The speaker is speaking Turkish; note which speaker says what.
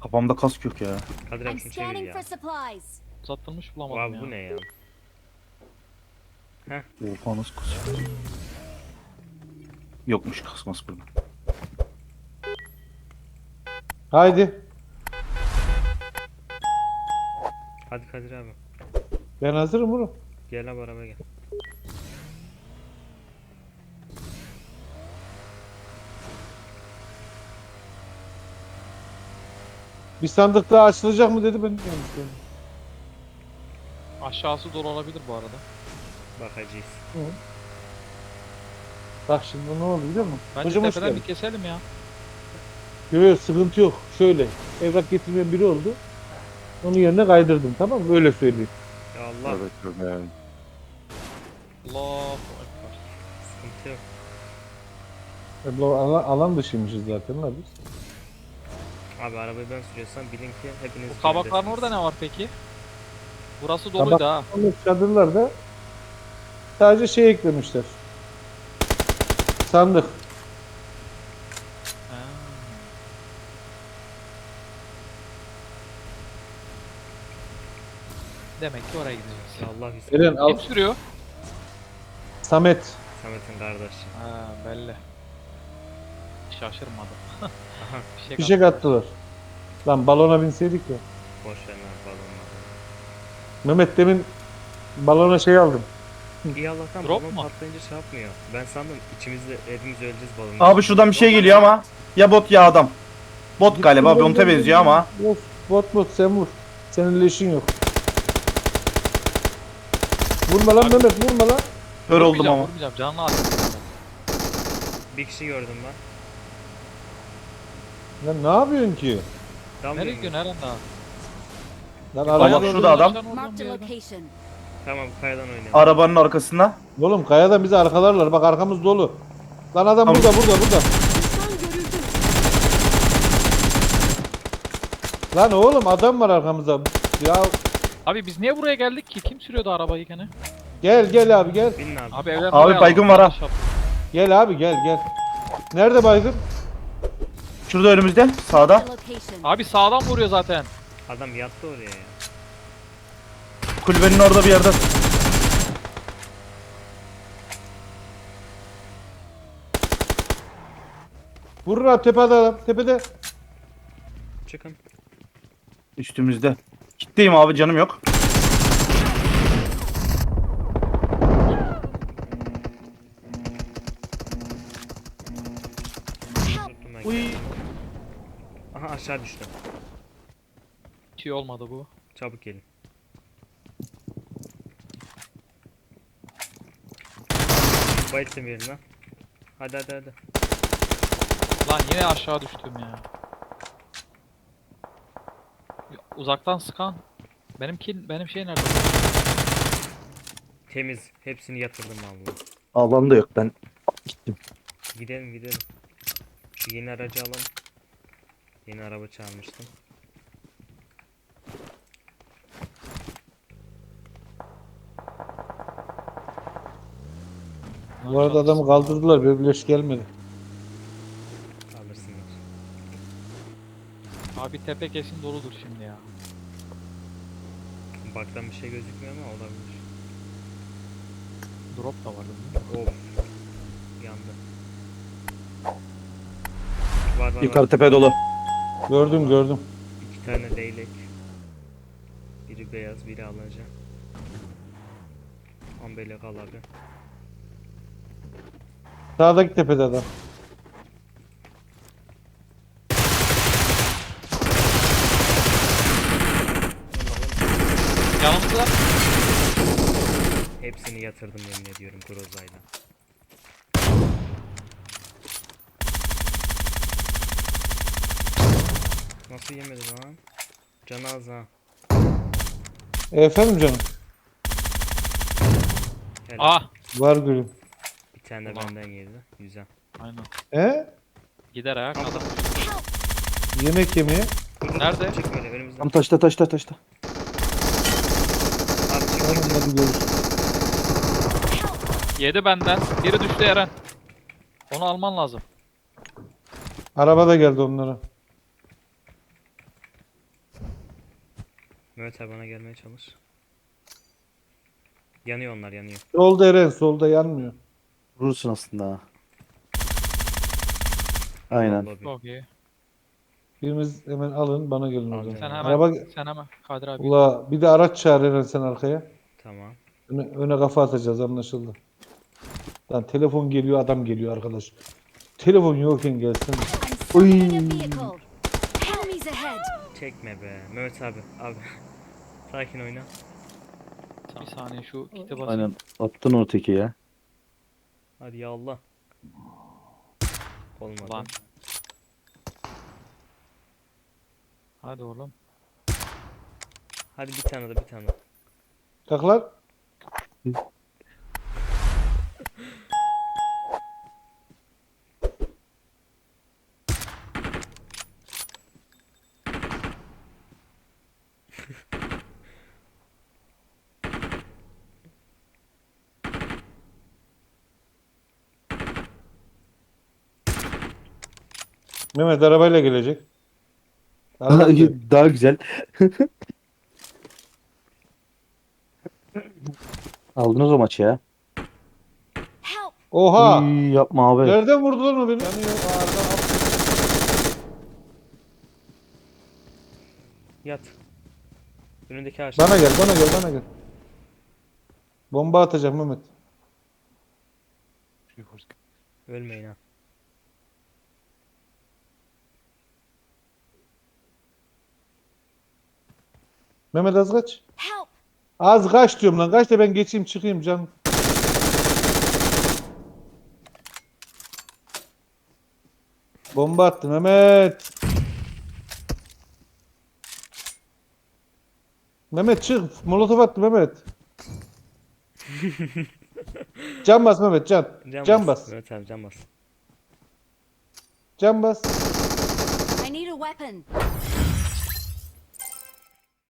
Speaker 1: Kafamda kask yok ya.
Speaker 2: Kadir
Speaker 3: I'm
Speaker 2: abi şunu çevir
Speaker 3: scanning
Speaker 2: ya.
Speaker 3: for supplies.
Speaker 4: Uzatılmış bulamadım
Speaker 2: Abi
Speaker 4: ya.
Speaker 2: bu ne ya?
Speaker 1: Oha nasıl kask? Yokmuş kasması burada.
Speaker 5: Haydi.
Speaker 2: Hadi Kadir abi.
Speaker 5: Ben hazırım oğlum.
Speaker 2: Gel abi arabaya gel.
Speaker 5: Bir sandık daha açılacak mı dedi ben de yanlış.
Speaker 4: Aşağısı dolu olabilir bu arada.
Speaker 2: Bakacağız.
Speaker 5: Bak şimdi ne oldu biliyor musun?
Speaker 4: Bence
Speaker 5: Hocam hoş
Speaker 4: tepeden
Speaker 5: geldin.
Speaker 4: bir keselim ya.
Speaker 5: Yok yok sıkıntı yok. Şöyle evrak getirmeyen biri oldu. Onun yerine kaydırdım tamam mı? Öyle söyleyeyim.
Speaker 2: Ya Allah.
Speaker 1: Evet yani.
Speaker 4: Allahu Ekber.
Speaker 2: Sıkıntı yok.
Speaker 5: Bu alan dışıymışız zaten la biz.
Speaker 2: Abi arabayı ben sürüyorsam bilin ki hepiniz
Speaker 4: Bu kabakların
Speaker 2: güvendesiniz.
Speaker 4: orada ne var peki? Burası doluydu ha.
Speaker 5: Onun çadırlarda sadece şey eklemişler. Sandık.
Speaker 4: Ha. Demek ki oraya gideceğiz.
Speaker 2: Ya Allah bismillah.
Speaker 5: Eren al.
Speaker 4: Kim sürüyor?
Speaker 5: Samet.
Speaker 2: Samet'in kardeşi.
Speaker 4: Ha belli. Şaşırmadım.
Speaker 2: Aha.
Speaker 5: Fişek attılar. Lan balona binseydik ya.
Speaker 2: Boş ver lan balonla.
Speaker 5: Mehmet demin balona şey aldım.
Speaker 2: İyi Allah'tan
Speaker 4: Drop
Speaker 2: balon
Speaker 4: mu?
Speaker 2: patlayınca şey yapmıyor. Ben sandım içimizde hepimiz öleceğiz balonla.
Speaker 1: Abi şuradan bir şey geliyor ama. Ya bot ya adam. Bot galiba. Bot'a benziyor ama.
Speaker 5: Yok, bot sen vur. Senin leşin yok. Vurma lan
Speaker 4: Abi-
Speaker 5: Mehmet vurma lan.
Speaker 1: Kör oldum ama.
Speaker 4: Vurmayacağım canlı atayım.
Speaker 2: Bir kişi gördüm ben.
Speaker 5: Lan ne yapıyorsun ki?
Speaker 2: Tamam
Speaker 4: Nereye
Speaker 2: mı?
Speaker 4: gidiyorsun Eren daha?
Speaker 5: Lan
Speaker 1: Bak
Speaker 5: araba
Speaker 1: şurada adam.
Speaker 3: Marked a location.
Speaker 2: Tamam kayadan oynayalım.
Speaker 1: Arabanın arkasında.
Speaker 5: Oğlum kayadan bizi arkalarlar. Bak arkamız dolu. Lan adam
Speaker 1: Tamam.
Speaker 5: burada.
Speaker 3: Düşman görüldü.
Speaker 5: Lan oğlum adam var arkamızda. Ya
Speaker 4: Abi biz niye buraya geldik ki? Kim sürüyordu arabayı gene?
Speaker 5: gel abi gel.
Speaker 2: Binin abi.
Speaker 4: Abi evden
Speaker 1: Abi
Speaker 4: buraya
Speaker 1: baygın
Speaker 4: alalım.
Speaker 1: var ha.
Speaker 4: Yanlış yaptık.
Speaker 5: Gel abi gel. Nerede baygın?
Speaker 1: Şurada önümüzde. Sağda.
Speaker 3: Marked a location.
Speaker 4: Abi sağdan vuruyor zaten.
Speaker 2: Adam yattı oraya ya.
Speaker 1: Kulübenin orada bir yerde.
Speaker 5: Vurur abi tepede adam. Tepede.
Speaker 2: Çıkın.
Speaker 1: Üstümüzde. Kitleyim abi canım yok.
Speaker 2: Tuttum ben.
Speaker 1: Uy.
Speaker 2: Aha aşağı düştü.
Speaker 4: Hiç iyi olmadı bu.
Speaker 2: Çabuk gelin. Bayılttım yerine. Hadi.
Speaker 4: Lan yine aşağı düştüm ya. Uzaktan sıkan. Benim şey nerede?
Speaker 2: Temiz. Hepsini yatırdım abi.
Speaker 1: Alan da yok ben. Gittim.
Speaker 2: Gidelim. Şu yeni aracı alalım. Yeni araba çalmıştım.
Speaker 5: Bu arada adamı kaldırdılar. Bir leş gelmedi.
Speaker 2: Alırsınız.
Speaker 4: Abi tepe kesin doludur şimdi ya.
Speaker 2: Baktan bir şey gözükmüyor ama olabilir.
Speaker 4: Drop da vardı değil mi?
Speaker 2: Of. Yandı. Var.
Speaker 1: Yukarı tepe dolu.
Speaker 5: Gördüm.
Speaker 2: İki tane leylek. Biri beyaz, biri alaca. Ambelek al abi.
Speaker 5: Sağdaki tepede adam.
Speaker 4: Yanımızda.
Speaker 2: Hepsini yatırdım yemin ediyorum Groza'yla. Nasıl yemedi lan? Canı az ha.
Speaker 5: Efendim canım.
Speaker 2: Helal.
Speaker 4: Ah.
Speaker 5: Var gülüm.
Speaker 2: Bir tane de
Speaker 4: Ulan.
Speaker 2: benden yedi. Güzel.
Speaker 4: Aynen.
Speaker 5: He?
Speaker 4: Gider ayak adam.
Speaker 5: Yemek yemeye.
Speaker 4: Nerede?
Speaker 2: Çık böyle önümüzden.
Speaker 1: Tam taşta.
Speaker 2: Abi çık.
Speaker 5: Tamam hadi görüşürüz.
Speaker 4: Yedi benden. Biri düştü Eren. Onu alman lazım.
Speaker 5: Araba da geldi onlara.
Speaker 2: Mehmet abi bana gelmeye çalış. Yanıyor onlar yanıyor.
Speaker 5: Solda Eren, solda yanmıyor.
Speaker 1: Vurursun aslında ha. Aynen.
Speaker 2: Lobi.
Speaker 4: Çok iyi.
Speaker 5: Biriniz hemen alın, bana gelin o
Speaker 2: Alacağım.
Speaker 5: zaman.
Speaker 4: Sen hemen,
Speaker 5: Araba...
Speaker 4: sen hemen. Kadir abi.
Speaker 5: Ula bir de araç çağır Eren sen arkaya.
Speaker 2: Tamam.
Speaker 5: Öne kafa atacağız, anlaşıldı. Lan telefon geliyor, adam geliyor arkadaş. Telefon yokken gelsin.
Speaker 3: I'm summoning a vehicle. Enemies ahead.
Speaker 2: Çekme be. Mehmet abi. Abi. Sakin oyna.
Speaker 4: Bir saniye şu kite basayım.
Speaker 1: Aynen. Attın o teki ya.
Speaker 2: Hadi ya Allah. Olmadı.
Speaker 4: Lan. Hadi oğlum.
Speaker 2: Hadi bir tane de bir tane.
Speaker 5: Kalk lan. Mehmet arabayla gelecek. Arabayla.
Speaker 1: Daha güzel. Aldınız o maçı ya.
Speaker 3: Help.
Speaker 5: Oha!
Speaker 1: Uy, yapma abi.
Speaker 5: Nereden vurdu lan o beni? Yanıyor.
Speaker 2: Yat. Önündeki ağaç.
Speaker 5: Bana gel, bana gel, bana gel. Bomba atacağım Mehmet.
Speaker 2: Ölmeyin ha.
Speaker 5: Mehmet az kaç.
Speaker 3: Help.
Speaker 5: Az kaç diyorum lan. Kaç da ben geçeyim çıkayım can. Bomba attı Mehmet. Mehmet çık. Molotof attı Mehmet. Can bas Mehmet can. Can bas.
Speaker 2: Mehmet abi can bas.
Speaker 5: Can bas.
Speaker 3: I need a weapon.